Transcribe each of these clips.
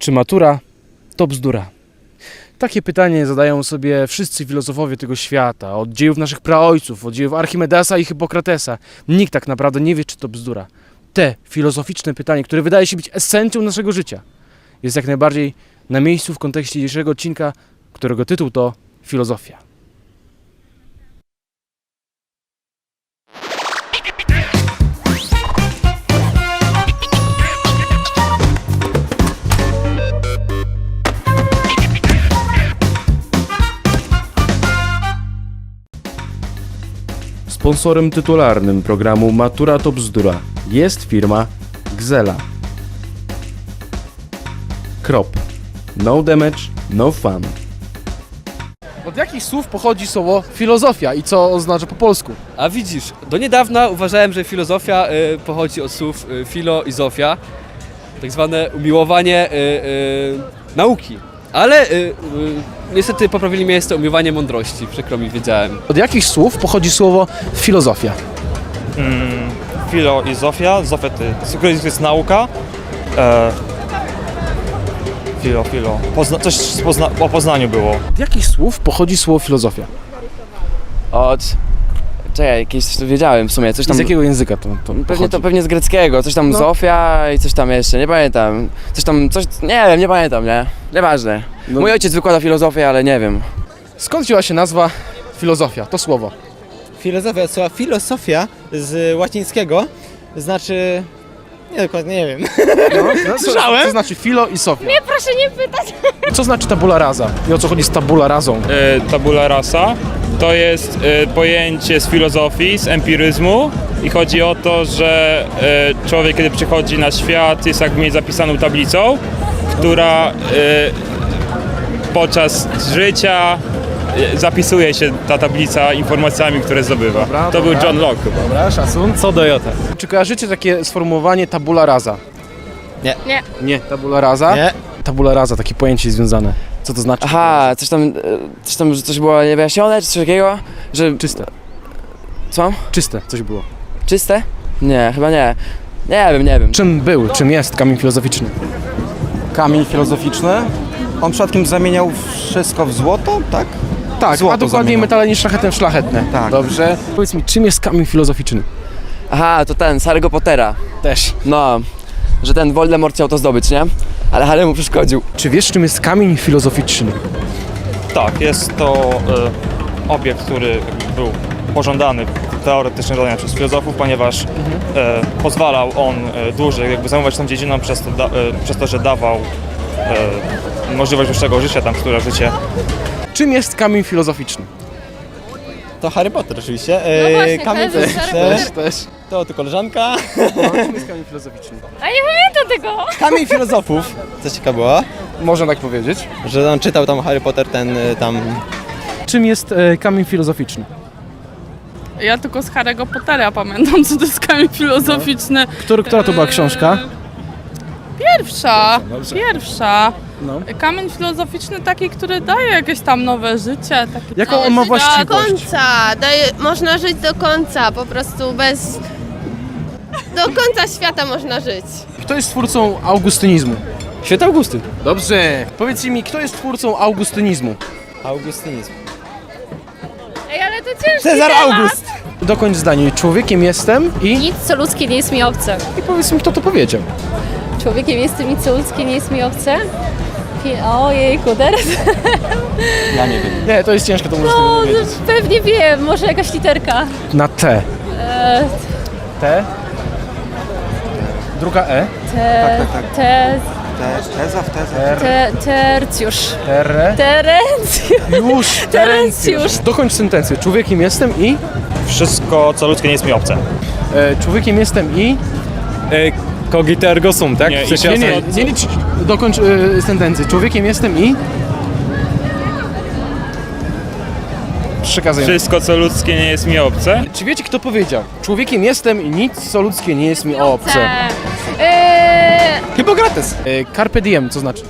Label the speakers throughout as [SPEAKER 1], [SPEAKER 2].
[SPEAKER 1] Czy matura to bzdura? Takie pytanie zadają sobie wszyscy filozofowie tego świata, od dziejów naszych praojców, od dziejów Archimedesa i Hipokratesa. Nikt tak naprawdę nie wie, czy to bzdura. Te filozoficzne pytanie, które wydaje się być esencją naszego życia, jest jak najbardziej na miejscu w kontekście dzisiejszego odcinka, którego tytuł to Filozofia. Sponsorem tytularnym programu Matura to bzdura jest firma Gzela. No damage, no fun. Od jakich słów pochodzi słowo filozofia i co oznacza po polsku?
[SPEAKER 2] A widzisz, do niedawna uważałem, że filozofia pochodzi od słów filo i zofia, tak zwane umiłowanie nauki. Ale niestety poprawili mnie, jest to umiłowanie mądrości, przykro mi, wiedziałem.
[SPEAKER 1] Od jakich słów pochodzi słowo filozofia?
[SPEAKER 3] Filo i Zofia. Zofia to jest nauka. Filo. Coś o Poznaniu było.
[SPEAKER 1] Od jakich słów pochodzi słowo filozofia?
[SPEAKER 4] Czekaj, jakieś coś tu wiedziałem w sumie, coś tam...
[SPEAKER 1] Z jakiego języka to pochodzi?
[SPEAKER 4] Pewnie z greckiego, coś tam
[SPEAKER 1] No.
[SPEAKER 4] Zofia i coś tam jeszcze, nie pamiętam. Nie wiem, nie pamiętam, nie? Nieważne.
[SPEAKER 1] No.
[SPEAKER 4] Mój ojciec wykłada filozofię, ale nie wiem.
[SPEAKER 1] Skąd wzięła się nazwa filozofia, to słowo?
[SPEAKER 5] Filozofia, słowa filosofia z łacińskiego znaczy... Nie, dokładnie nie wiem.
[SPEAKER 1] Słyszałem? Co znaczy filo i sofia?
[SPEAKER 6] Nie, proszę nie pytać.
[SPEAKER 1] Co znaczy tabula rasa? I o co chodzi z tabula rasą?
[SPEAKER 7] Tabula rasa to jest pojęcie z filozofii, z empiryzmu i chodzi o to, że człowiek, kiedy przychodzi na świat, jest jakby mieć zapisaną tablicą, która podczas życia zapisuje się ta tablica informacjami, które zdobywa.
[SPEAKER 1] Dobra,
[SPEAKER 7] to
[SPEAKER 1] dobra.
[SPEAKER 7] był John Locke chyba.
[SPEAKER 1] Dobra, szacun. Co do jota. Czy kojarzycie takie sformułowanie tabula rasa?
[SPEAKER 5] Nie.
[SPEAKER 6] Nie.
[SPEAKER 1] Nie, tabula rasa?
[SPEAKER 5] Nie.
[SPEAKER 1] Tabula rasa, takie pojęcie związane. Co to znaczy?
[SPEAKER 4] Aha, że coś było niewyjaśnione, czy coś takiego? Że...
[SPEAKER 1] Czyste.
[SPEAKER 4] Co?
[SPEAKER 1] Czyste coś było.
[SPEAKER 4] Czyste? Nie, chyba nie. Nie wiem.
[SPEAKER 1] Czym jest kamień filozoficzny?
[SPEAKER 8] Kamień filozoficzny. On przypadkiem zamieniał wszystko w złoto, tak?
[SPEAKER 1] Tak,
[SPEAKER 8] Złoto
[SPEAKER 1] a dokładniej
[SPEAKER 8] zamieniał.
[SPEAKER 1] metale niż szlachetne w szlachetne.
[SPEAKER 8] Tak.
[SPEAKER 1] Dobrze. Powiedz mi, czym jest kamień filozoficzny?
[SPEAKER 4] Aha, to ten, z Harry'ego Pottera.
[SPEAKER 1] Też.
[SPEAKER 4] No, że ten Voldemort chciał to zdobyć, nie? Ale Harry mu przeszkodził.
[SPEAKER 1] Czy wiesz, czym jest kamień filozoficzny?
[SPEAKER 3] Tak, jest to obiekt, który był pożądany teoretycznie zadania przez filozofów, ponieważ pozwalał on dłużej zajmować tą dziedziną przez to, że dawał możliwość dłuższego życia, tam które życie.
[SPEAKER 1] Czym jest kamień filozoficzny?
[SPEAKER 5] To Harry Potter oczywiście.
[SPEAKER 6] No właśnie,
[SPEAKER 5] Kamień
[SPEAKER 6] kojarzę z Harry
[SPEAKER 5] filozoficzny.
[SPEAKER 1] Też.
[SPEAKER 5] To koleżanka.
[SPEAKER 1] Czym jest kamień filozoficzny?
[SPEAKER 6] A nie pamiętam tego.
[SPEAKER 5] Kamień filozofów. Co ciekawe było,
[SPEAKER 1] Można tak powiedzieć.
[SPEAKER 5] że on czytał tam Harry Potter ten tam...
[SPEAKER 1] Czym jest kamień filozoficzny?
[SPEAKER 9] Ja tylko z Harry'ego Pottera pamiętam, co to jest kamień filozoficzny.
[SPEAKER 1] Która to była książka?
[SPEAKER 9] Pierwsza.
[SPEAKER 1] No.
[SPEAKER 9] Kamień filozoficzny taki, który daje jakieś tam nowe życie. Takie
[SPEAKER 1] Jaką on ma
[SPEAKER 6] Do
[SPEAKER 1] właściwość?
[SPEAKER 6] końca. Można żyć do końca, po prostu bez... Do końca świata można żyć.
[SPEAKER 1] Kto jest twórcą augustynizmu?
[SPEAKER 2] Święty Augustyn.
[SPEAKER 1] Dobrze. Powiedzcie mi, kto jest twórcą augustynizmu?
[SPEAKER 5] Augustynizm.
[SPEAKER 6] Ej, ale to ciężki
[SPEAKER 5] Cezar
[SPEAKER 6] temat.
[SPEAKER 5] August!
[SPEAKER 1] Dokończ zdanie. Człowiekiem jestem i...
[SPEAKER 6] Nic, co ludzkie nie jest mi obce.
[SPEAKER 1] I powiedz mi, kto to powiedział.
[SPEAKER 6] Człowiekiem jestem, nic, co ludzkie nie jest mi obce. Ojejku, teraz...
[SPEAKER 1] Nie, to jest ciężko, to możesz
[SPEAKER 6] No,
[SPEAKER 1] tego nie wiedzieć.
[SPEAKER 6] pewnie wiem, może jakaś literka.
[SPEAKER 1] Na T. T. Druga E.
[SPEAKER 6] Tercjusz.
[SPEAKER 1] Już.
[SPEAKER 6] Terencjusz.
[SPEAKER 1] Dokończ sentencję. Człowiekiem jestem i...
[SPEAKER 3] Wszystko, co ludzkie, nie jest mi obce.
[SPEAKER 1] Człowiekiem jestem i...
[SPEAKER 2] Cogito ergo sum, tak?
[SPEAKER 7] Nie,
[SPEAKER 2] W sensie
[SPEAKER 1] Nie licz. Dokończ sentencję. Człowiekiem jestem i... Przekazuję.
[SPEAKER 7] Wszystko, co ludzkie, nie jest mi obce.
[SPEAKER 1] Czy wiecie, kto powiedział? Człowiekiem jestem i nic, co ludzkie, nie jest mi obce. Hipokrates. Carpe diem, co znaczy?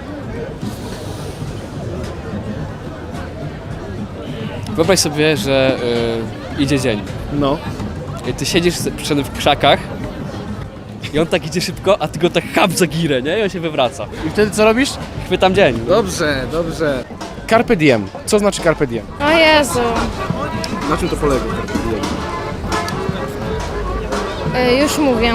[SPEAKER 2] Wyobraź sobie, że idzie dzień.
[SPEAKER 1] No.
[SPEAKER 2] I ty siedzisz w krzakach I on tak idzie szybko, a ty go tak chap za girę, nie? I on się wywraca.
[SPEAKER 1] I wtedy co robisz?
[SPEAKER 2] Chwytam dzień.
[SPEAKER 1] Dobrze, dobrze. Carpe diem. Co znaczy carpe diem?
[SPEAKER 6] O Jezu.
[SPEAKER 1] Na czym to polega carpe diem?
[SPEAKER 6] Już mówię.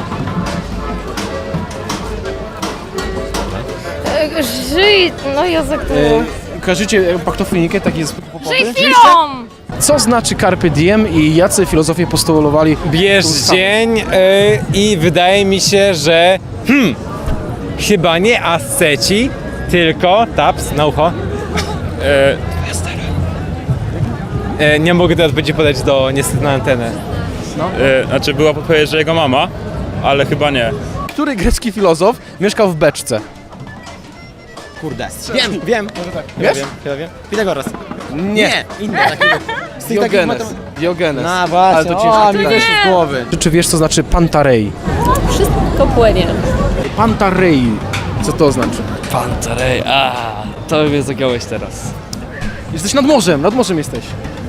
[SPEAKER 6] Żyj, no Jezu, jak to było.
[SPEAKER 1] Kojarzycie paktofonikę, taki jest popowy?
[SPEAKER 6] Żyj chwilą!
[SPEAKER 1] Co znaczy carpe diem i jacy filozofowie postulowali?
[SPEAKER 10] Bierz dzień i wydaje mi się, że chyba nie asceci, tylko taps na ucho. Nie mogę teraz będzie podać niestety na antenę.
[SPEAKER 7] Znaczy była podpowiedź, że jego mama, ale chyba nie.
[SPEAKER 1] Który grecki filozof mieszkał w beczce?
[SPEAKER 5] Kurde. Wiem. Może tak.
[SPEAKER 1] Wiesz?
[SPEAKER 5] Chyba wiem. Pitagoras.
[SPEAKER 1] Nie.
[SPEAKER 5] Inny taki. Z tych takich
[SPEAKER 1] Diogenes. Diogenes.
[SPEAKER 5] No właśnie,
[SPEAKER 1] Ale to
[SPEAKER 5] o,
[SPEAKER 1] ciężko
[SPEAKER 5] mi
[SPEAKER 1] pytanie.
[SPEAKER 5] wyszło z głowy.
[SPEAKER 1] Czy wiesz, co znaczy pantarei?
[SPEAKER 6] Wszystko płynie.
[SPEAKER 1] Pantarei. Co to znaczy?
[SPEAKER 2] Pantarej, to mnie zagiąłeś teraz.
[SPEAKER 1] Jesteś nad morzem jesteś.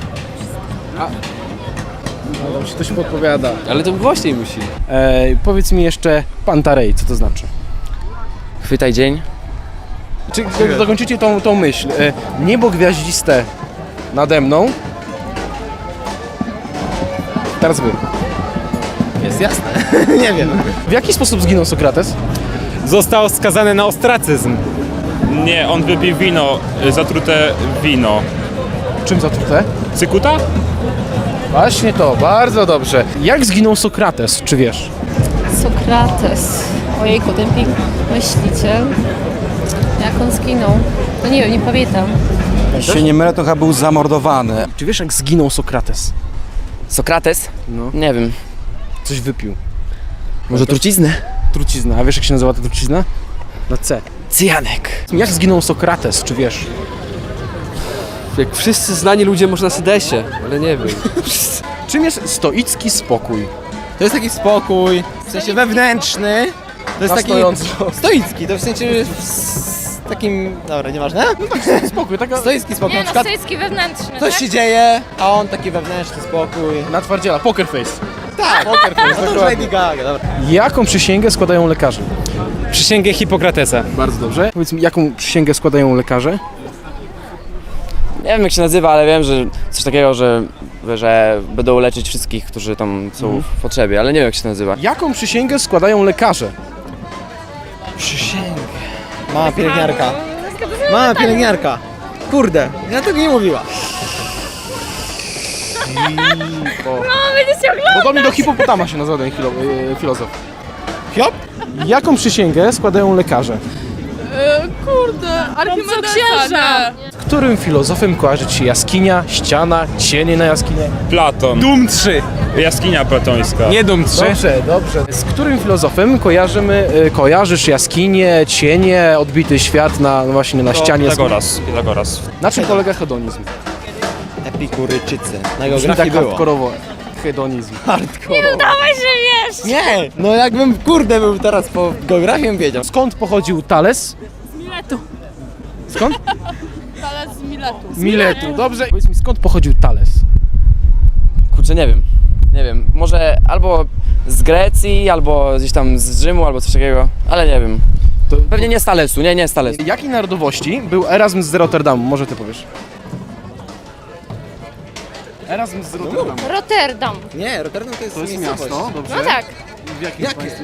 [SPEAKER 1] No dobrze, ktoś podpowiada.
[SPEAKER 2] Ale to głośniej musi.
[SPEAKER 1] Powiedz mi jeszcze pantarei, co to znaczy?
[SPEAKER 4] Chwytaj dzień.
[SPEAKER 1] Czy dokończycie tą myśl? Niebo gwiaździste nade mną. Teraz wy.
[SPEAKER 5] Jest jasne. Nie wiem.
[SPEAKER 1] W jaki sposób zginął Sokrates?
[SPEAKER 10] Został skazany na ostracyzm.
[SPEAKER 7] Nie, on wypił wino, zatrute wino.
[SPEAKER 1] Czym zatrute?
[SPEAKER 7] Cykuta?
[SPEAKER 1] Właśnie to, bardzo dobrze. Jak zginął Sokrates, czy wiesz?
[SPEAKER 6] Sokrates. Ojejku, ten myśliciel. Jak on zginął? No nie wiem, nie pamiętam.
[SPEAKER 8] Jeśli się nie mylę, to chyba był zamordowany.
[SPEAKER 1] Czy wiesz, jak zginął Sokrates?
[SPEAKER 4] Sokrates?
[SPEAKER 1] No.
[SPEAKER 4] Nie wiem.
[SPEAKER 1] Coś wypił.
[SPEAKER 4] Może truciznę?
[SPEAKER 1] Trucizna. A wiesz, jak się nazywa ta trucizna? Na C.
[SPEAKER 4] Cyjanek.
[SPEAKER 1] Jak zginął Sokrates, czy wiesz?
[SPEAKER 2] Jak wszyscy znani ludzie może na sedesie, ale nie wiem.
[SPEAKER 1] Czym jest stoicki spokój?
[SPEAKER 5] To jest taki spokój, w sensie wewnętrzny. To jest taki
[SPEAKER 1] stojąco.
[SPEAKER 5] stoicki, to w sensie takim, dobra, nieważne.
[SPEAKER 1] Spokój, taka
[SPEAKER 5] Stoicki spokój, na przykład
[SPEAKER 6] stoicki wewnętrzny,
[SPEAKER 5] coś się dzieje, a on taki wewnętrzny spokój.
[SPEAKER 1] na twardziela, poker face.
[SPEAKER 5] Tak, poker face, no to już Lady Gaga, dobra.
[SPEAKER 1] Jaką przysięgę składają lekarze?
[SPEAKER 10] Przysięgę Hipokratesa.
[SPEAKER 1] Bardzo dobrze. Powiedz mi, jaką przysięgę składają lekarze?
[SPEAKER 4] Nie wiem jak się nazywa, ale wiem, że coś takiego, że będą leczyć wszystkich, którzy tam są w potrzebie, ale nie wiem jak się to nazywa.
[SPEAKER 1] Jaką przysięgę składają lekarze?
[SPEAKER 5] Mama pielęgniarka. Mama pielęgniarka. Kurde, ja tego nie mówiła.
[SPEAKER 1] Podobnie do hipopotama się nazywa ten filozof.
[SPEAKER 5] Hiop?
[SPEAKER 1] Jaką przysięgę składają lekarze?
[SPEAKER 9] Kurde, Archimedesa,
[SPEAKER 1] Którym filozofem kojarzy ci się jaskinia, ściana, cienie na jaskinię?
[SPEAKER 7] Platon.
[SPEAKER 10] Dum 3.
[SPEAKER 7] Jaskinia platońska.
[SPEAKER 10] Nie Dum 3.
[SPEAKER 1] Dobrze, dobrze. Z którym filozofem kojarzysz jaskinię, cienie, odbity świat właśnie na ścianie jaskini?
[SPEAKER 7] Pitagoras.
[SPEAKER 1] Na czym polega hedonizm?
[SPEAKER 5] Epikuryczycy. Na
[SPEAKER 1] Brzmi
[SPEAKER 5] geografii
[SPEAKER 1] tak
[SPEAKER 5] było.
[SPEAKER 1] hardkorowo. Hedonizm.
[SPEAKER 5] Nie, no jakbym kurde był teraz po geografii bym wiedział.
[SPEAKER 1] Skąd pochodził Thales?
[SPEAKER 9] Z Miletu.
[SPEAKER 1] Skąd?
[SPEAKER 9] Ale z Miletu.
[SPEAKER 1] Miletu. Dobrze. Powiedz mi, skąd pochodził Thales?
[SPEAKER 4] Kurczę, nie wiem. Nie wiem. Może albo z Grecji, albo gdzieś tam z Rzymu, albo coś takiego, ale nie wiem. Pewnie nie z Thalesu, nie z Thalesu.
[SPEAKER 1] Jakiej narodowości był Erasm z Rotterdamu? Może ty powiesz. Erasm z Rotterdamu.
[SPEAKER 6] Rotterdam.
[SPEAKER 5] Nie, Rotterdam to jest,
[SPEAKER 1] To jest
[SPEAKER 5] miejscowość.
[SPEAKER 1] miasto, dobrze.
[SPEAKER 6] No tak.
[SPEAKER 1] W jakim
[SPEAKER 5] Jakie?
[SPEAKER 1] państwie?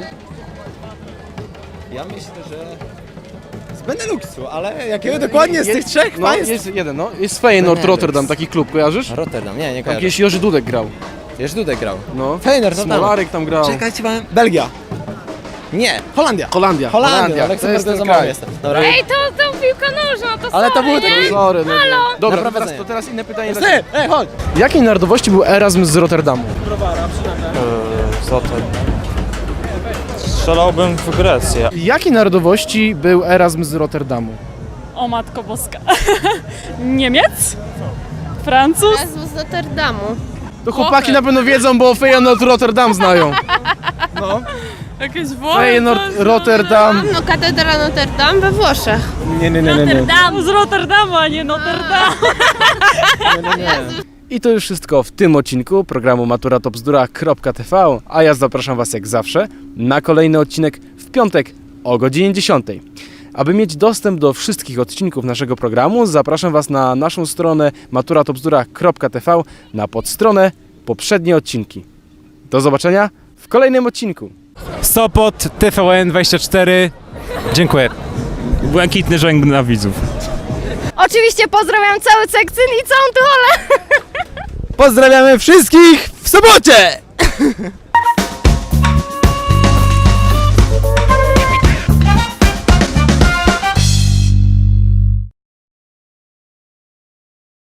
[SPEAKER 5] Ja myślę, że z Beneluxu, ale jakiego dokładnie z tych trzech
[SPEAKER 1] No,
[SPEAKER 5] państw?
[SPEAKER 1] jest jeden, no. Jest Feyenoord
[SPEAKER 5] Benelux.
[SPEAKER 1] Rotterdam, taki klub, kojarzysz?
[SPEAKER 5] Rotterdam, nie
[SPEAKER 1] Tam
[SPEAKER 5] kojarzę.
[SPEAKER 1] kiedyś Jerzy Dudek grał.
[SPEAKER 5] Wiesz, Dudek grał.
[SPEAKER 1] No.
[SPEAKER 5] Feyenoord, no tam.
[SPEAKER 1] Smolarek tam grał.
[SPEAKER 5] Czekajcie, pan. Belgia. Nie, Holandia.
[SPEAKER 1] Holandia.
[SPEAKER 5] Holandia, ale
[SPEAKER 1] To jest
[SPEAKER 5] za
[SPEAKER 1] ten
[SPEAKER 5] mało
[SPEAKER 1] kraj.
[SPEAKER 5] jestem. Dobra.
[SPEAKER 6] Ej, to piłka nożna, to
[SPEAKER 5] Ale to było
[SPEAKER 6] nie?
[SPEAKER 5] takie...
[SPEAKER 1] Sorry, no. Dobra,
[SPEAKER 5] Na
[SPEAKER 1] teraz,
[SPEAKER 5] prowadzenie.
[SPEAKER 1] to teraz inne pytanie.
[SPEAKER 5] Ej, chodź.
[SPEAKER 1] Jakiej narodowości był Erasm z Rotterdamu?
[SPEAKER 3] Zatem. Strzelałbym w Grecję.
[SPEAKER 1] Jakiej narodowości był Erasm z Rotterdamu?
[SPEAKER 9] O Matko Boska. Niemiec? Francuz?
[SPEAKER 6] Jezu, z Rotterdamu.
[SPEAKER 1] To chłopaki na pewno wiedzą, bo Feyenoord Rotterdam znają.
[SPEAKER 9] Jakieś Włochy?
[SPEAKER 1] Feyenoord Rotterdam.
[SPEAKER 6] No, katedra Notre Dame we Włoszech.
[SPEAKER 1] Nie.
[SPEAKER 9] Rotterdam. Z Rotterdamu, a nie Notre Dame.
[SPEAKER 1] I to już wszystko w tym odcinku programu maturatobzdura.tv, a ja zapraszam Was jak zawsze na kolejny odcinek w piątek o godzinie 10. Aby mieć dostęp do wszystkich odcinków naszego programu, zapraszam Was na naszą stronę maturatobzdura.tv, na podstronę poprzednie odcinki. Do zobaczenia w kolejnym odcinku.
[SPEAKER 10] Sopot, TVN24. Dziękuję.
[SPEAKER 7] Błękitny żęk na widzów.
[SPEAKER 6] Oczywiście pozdrawiam cały Sekcyn i całą Tucholę.
[SPEAKER 5] Pozdrawiamy wszystkich w sobocie!